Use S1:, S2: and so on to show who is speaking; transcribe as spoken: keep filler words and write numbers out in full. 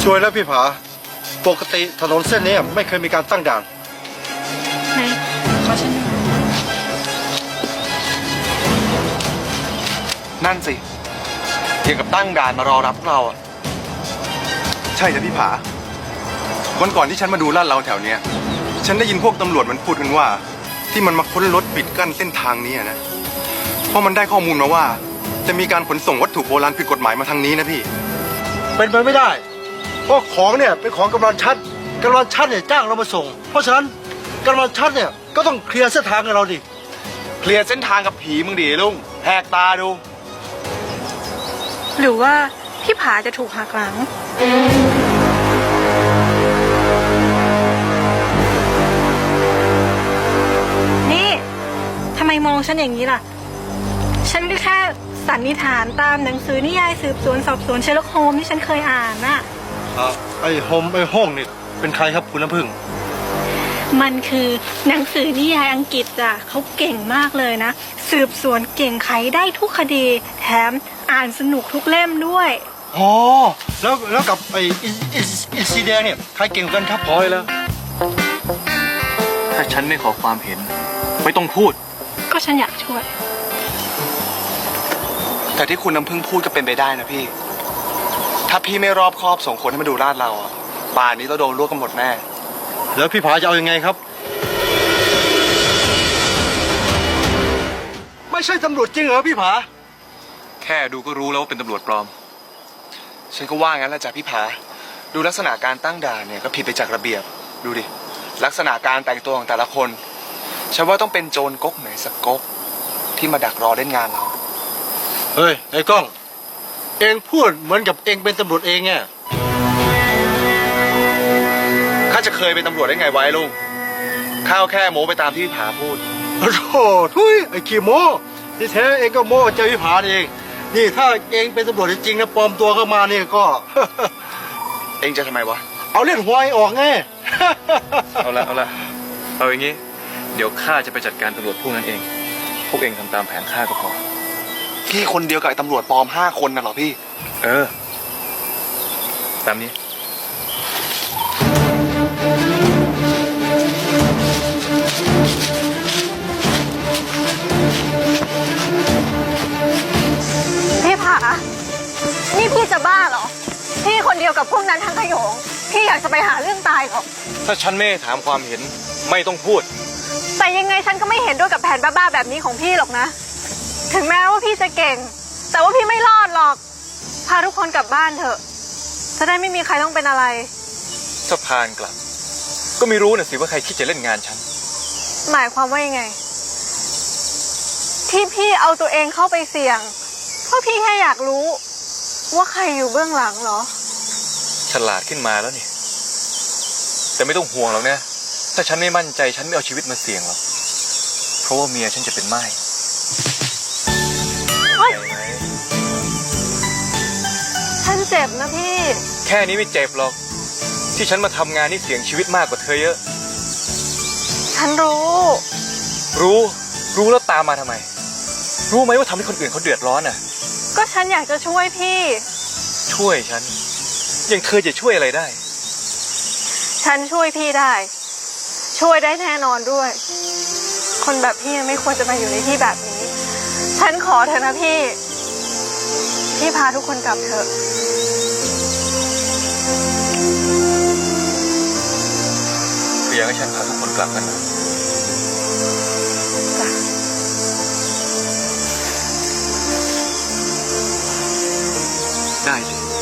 S1: ช่วยแล้วพี่ผาปกติถนนเส้นนี้ไม่เคยมีการตั้งด่าน
S2: ไหนขอฉันดู
S3: นั่นสิเกี่ยวกับตั้งด่านมารอรับพวกเราอะ
S4: ใช่จ้ะพี่ผาวันก่อนที่ฉันมาดูลาดเราแถวเนี้ยฉันได้ยินพวกตำรวจมันพูดกันว่า ที่มันมาค้นรถปิดกั้นเส้นทางนี้นะเพราะมันได้ข้อมูลมาว่า จะมีการขนส่งวัตถุโบราณผิดกฎหมายมาทางนี้นะพี่
S1: เป็นไปไม่ได้เพราะของเนี่ยเป็นของกำนันชัดกำนันชัดเนี่ยจ้างเรามาส่งเพราะฉะนั้นกำนันชัดเนี่ยก็ต้องเคลียร์เส้นทางให้เราดิ
S3: เคลียร์เส้นทางกับผีมึงดิลุงแหกตาดู
S2: หรือว่าพี่ผาจะถูกหักหลังนี่ทำไมมองฉันอย่างนี้ล่ะฉันก็แค่สันนิษฐานตามหนังสือนิยายสืบสวนสอบสวนเชอร์ล็อกโฮมที่ฉันเคยอ่านน่ะ
S1: ไอ้โฮมไอ้ห้องนี่เป็นใครครับคุณน้ำพึ่ง
S2: มันคือหนังสือนิยายอังกฤษอ่ะเขาเก่งมากเลยนะสืบสวนเก่งไขได้ทุกคดีแถมอ่านสนุกทุกเล่มด้วย
S1: อ๋อแล้วแล้วกับไอ้อินซีแดงเนี่ยใครเก่งกันครับพอยแล้ว
S5: ถ้าฉันไม่ขอความเห็นไม่ต้องพูด
S2: ก็ฉันอยากช่วย
S3: แต่ที่คุณน้ำพึ่งพูดก็เป็นไปได้นะพี่ถ้าพี่ไม่รอบคอบส่งคนให้มาดูลาดเราอ่ะป่านนี้เราโดนลวกกันหมดแน่
S1: แล้วพี่ผาจะเอายังไงครับไม่ใช่ตำรวจจริงเหรอพี่ผา
S5: แค่ดูก็รู้แล้วว่าเป็นตำรวจปลอม
S3: ฉันก็ว่างั้นแหละจ้ะพี่ผาดูลักษณะการตั้งด่านเนี่ยก็ผิดไปจากระเบียบดูดิลักษณะการแต่งตัวของแต่ละคนฉันว่าต้องเป็นโจรก๊กไหนสักก๊กที่มาดักรอเล่นงานเรา
S1: เฮ้ยไอ้ก้องเองพูดเหมือนกับเองเป็นตำรวจเองไง
S3: ข้าจะเคยเป็นตำรวจได้ไงไว้ลุงข้าวแค่โม้ไปตามที่พี่ผาพูด
S1: โอ้โหทุยไอ้ขี้โม้ที่แท้เองก็โม้เจอพี่ผาเองนี่ถ้าเองเป็นตำรวจจริงๆนะปลอมตัวเข้ามานี่ก็
S3: เองจะทำไมวะ
S1: เอาเล่นหวยออกไง
S5: เอาละเอาละเอาอย่างงี้เดี๋ยวข้าจะไปจัดการตำรวจพวกนั้นเองพวกเองทำตามแผนข้าก็พอ
S3: พี่คนเดียวกับไอ้ตำรวจปลอมห้าคนน่ะเหรอพี่
S5: เออตามนี้
S6: พี่ผานี่พี่จะบ้าเหรอพี่คนเดียวกับพวกนั้นทั้งขโยงพี่อยากจะไปหาเรื่องตายเหรอ
S5: ถ้าฉันไม่ถามความเห็นไม่ต้องพูด
S6: แต่ยังไงฉันก็ไม่เห็นด้วยกับแผนบ้าๆแบบนี้ของพี่หรอกนะถึงแม้ว่าพี่จะเก่งแต่ว่าพี่ไม่รอดหรอกพาทุกคนกลับบ้านเถอะจะได้ไม่มีใครต้องเป็นอะไร
S5: สะพานกลับก็ไม่รู้นะสิว่าใครคิดจะเล่นงานฉัน
S6: หมายความว่ายังไงที่พี่เอาตัวเองเข้าไปเสี่ยงเพราะพี่แค่อยากรู้ว่าใครอยู่เบื้องหลังเหรอ
S5: ฉลาดขึ้นมาแล้วนี่แต่ไม่ต้องห่วงหรอกนะถ้าฉันไม่มั่นใจฉันไม่เอาชีวิตมาเสี่ยงหรอกเพราะว่าเมียฉันจะเป็นไม้
S6: ฉันเจ็บนะพี่
S5: แค่นี้ไม่เจ็บหรอกที่ฉันมาทำงานนี่เสี่ยงชีวิตมากกว่าเธอเยอะ
S6: ฉันรู้
S5: รู้รู้แล้วตามมาทำไมรู้ไหมว่าทำให้คนอื่นเขาเดือดร้อนอ่ะ
S6: ก็ฉันอยากจะช่วยพี่
S5: ช่วยฉันยังเธอจะช่วยอะไรได้
S6: ฉันช่วยพี่ได้ช่วยได้แน่นอนด้วยคนแบบพี่ไม่ควรจะมาอยู่ในที่แบบนี้ฉันขอเถอะนะพี่พี่พาทุกคนกลับเถอะ
S5: อยากให้ฉันพาทุกคนกลับกันนะได้สิ